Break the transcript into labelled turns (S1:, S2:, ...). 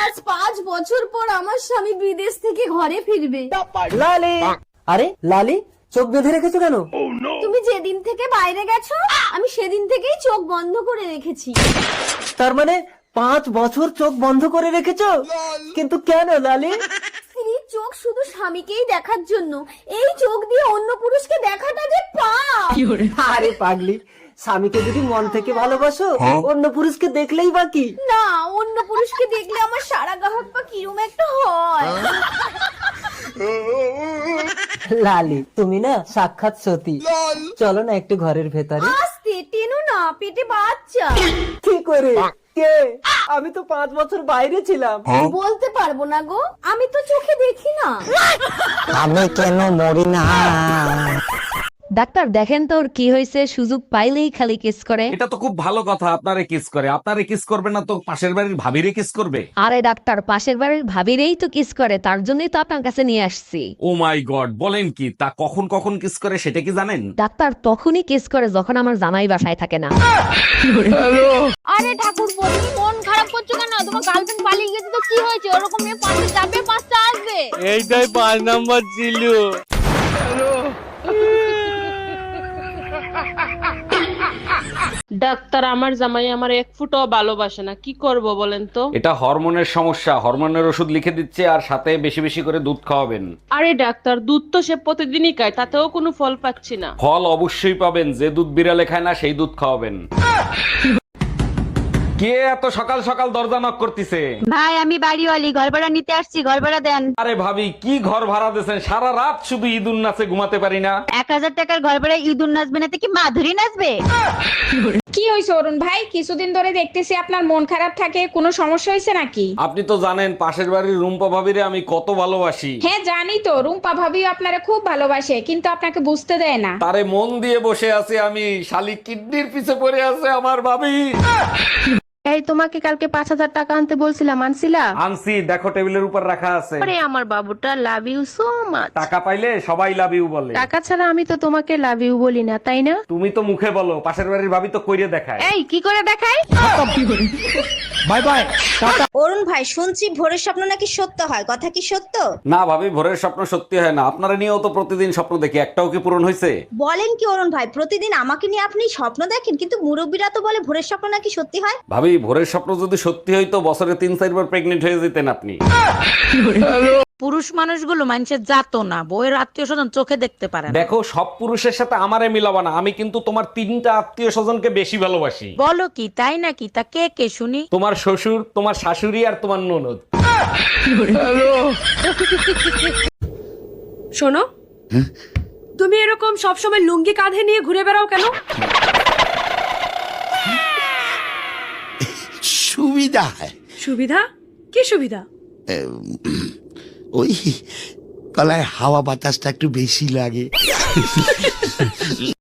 S1: আজ 5 বছর পর আমার স্বামী বিদেশ থেকে ঘরে ফিরবে।
S2: লালি, আরে লালি চোখ বেঁধে রেখেছো কেন?
S1: তুমি যেদিন থেকে বাইরে গেছো আমি সেদিন থেকেই চোখ বন্ধ করে রেখেছি।
S2: তার মানে 5 বছর চোখ বন্ধ করে রেখেছো? কিন্তু কেন লালি?
S1: স্ত্রীর চোখ শুধু স্বামীকেই দেখার জন্য, এই চোখ দিয়ে অন্য পুরুষকে দেখাটা যে পাপ।
S2: আরে পাগলি, স্বামীকে যদি মন থেকে ভালোবাসো অন্য পুরুষকে দেখলেই বাকি।
S1: না, অন্য পুরুষকে দেখলে আমার সারা গাহক পা কিরম একটা হয়।
S2: লালি তুমি না সাক্ষাৎ সতী। চলো না একটু ঘরের ভেতরে।
S1: আস্তে টেনো না, পেটে বাচ্চা।
S2: কি করে? কে? আমি তো 5 বছর বাইরে ছিলাম।
S1: বলতে পারবো না গো, আমি তো চোখে দেখি না।
S2: আমি কেন মরি না?
S3: ডাক্তার দেখেন তো ওর কি হয়েছে, সুযোগ পাইলেই খালি কিস করে।
S4: এটা তো খুব ভালো কথা, আপনারে কিস করে। আপনারে কিস করবে না তো পাশের বাড়ির ভাবিরে কিস করবে?
S3: আরে ডাক্তার, পাশের বাড়ির ভাবিরেই তো কিস করে, তার জন্যই তো আপনার কাছে নিয়ে আসছি।
S4: ও মাই গড, বলেন কি? তা কখন কখন কিস করে সেটা কি জানেন?
S3: ডাক্তার তখনই কিস করে যখন আমার জামাই বাসায় থাকে না।
S1: আরে ঠাকুর তুমি মন খারাপ করছো কেন? তোমার গার্লফ্রেন্ড পালিয়ে গেছে তো কি হয়েছে? ওরকম মেয়ে 5টা যাবে 5টা আসবে।
S5: এইটাই 5 নাম্বার ছিল।
S6: ডাক্তার, আমার জামাই আমার 1 ফুটও ভালোবাসে না, কি করব বলেন তো?
S4: এটা হরমোনের সমস্যা, হরমোনের ওষুধ লিখে দিচ্ছে, আর সাথে বেশি বেশি করে দুধ খাওয়াবেন।
S6: আরে ডাক্তার, দুধ তো সে প্রতিদিনই খায়, তাতেও কোনো ফল পাচ্ছি না।
S4: ফল অবশ্যই পাবেন, যে দুধ বিড়ালে খায় না সেই দুধ খাওয়াবেন। কে এত সকাল সকাল দরজা নক করতেছে?
S7: ভাই আমি বাড়িওয়ালি, ঘর ভাড়া নিতে আসছি, ঘর ভাড়া দেন।
S4: আরে ভাবি, কি ঘর ভাড়া দিয়েছেন? সারা রাত শুধু ঈদুন নাচে ঘুমাতে পারি না।
S7: 1000 টাকার ঘর ভাড়া ইঁদুর নাচবে না তো কি মাধুরী নাচবে?
S8: কি হয়েছে অরুণ ভাই? কিছুদিন ধরে দেখতেছি আপনার মন খারাপ থাকে, কোনো সমস্যা হয়েছে নাকি?
S4: আপনি তো জানেন পাশের বাড়ির রুম্পা ভাবিরে আমি কত ভালোবাসি।
S8: হ্যাঁ জানি তো, রুম্পা ভাবিও আপনারা খুব ভালোবাসে, কিন্তু আপনাকে বুঝতে দেয় না।
S4: তারে মন দিয়ে বসে আছে আমি, শালি কিডনির পিছে পড়ে আছে আমার ভাবি।
S9: এই তোমাকে কালকে 5000 টাকা আনতে বলছিলাম, আনছিলা?
S4: আনছি, দেখো টেবিলের উপর রাখা আছে।
S9: আরে আমার বাবুটা, লাভ ইউ সো মাচ।
S4: টাকা পাইলে সবাই লাভ ইউ বলে।
S9: টাকা ছাড়া আমি তো তোমাকে লাভ ইউ বলি না, তাই না?
S4: তুমি তো মুখে বলো, পাশের বাড়ির ভাবি তো কইরে দেখায়।
S9: এই কি করে দেখাই?
S4: Bye bye.
S10: অরুণ ভাই, শুনছি ভোরের স্বপ্ন নাকি সত্য হয়, কথা কি সত্য?
S4: না ভাবি, ভোরের স্বপ্ন সত্যি হয় না। আপনারা নিয়েও তো প্রতিদিন স্বপ্ন দেখি, একটাও কি পূরণ হয়েছে?
S10: বলেন কি অরুণ ভাই, প্রতিদিন আমাকে নিয়ে আপনি স্বপ্ন দেখেন, কিন্তু মুরব্বীরা তো বলে ভোরের স্বপ্ন নাকি সত্যি হয়।
S4: ভাবি, ভোরের স্বপ্ন যদি সত্যি হইতো বছরে 3-4 বার প্রেগনেন্ট হয়ে যেতেন আপনি।
S7: পুরুষ মানুষগুলো মানুষের জাতো না, বউয়ের আত্মীয় স্বজন চোখে দেখতে পারে না।
S4: দেখো, সব পুরুষের সাথে আমারে মিলাবা না। আমি কিন্তু তোমার 3টা আত্মীয় স্বজনকে বেশি ভালোবাসি।
S7: বলো কি, তাই নাকি? তা কে কে শুনি?
S4: তোমার শ্বশুর, তোমার শাশুড়ি আর তোমার ননদ।
S1: শোনো, তুমি এরকম সবসময় লুঙ্গি কাঁধে নিয়ে ঘুরে বেড়াও কেন?
S5: সুবিধা।
S1: সুবিধা? কি সুবিধা?
S5: ওই গলায় হাওয়া বাতাসটা একটু বেশি লাগে।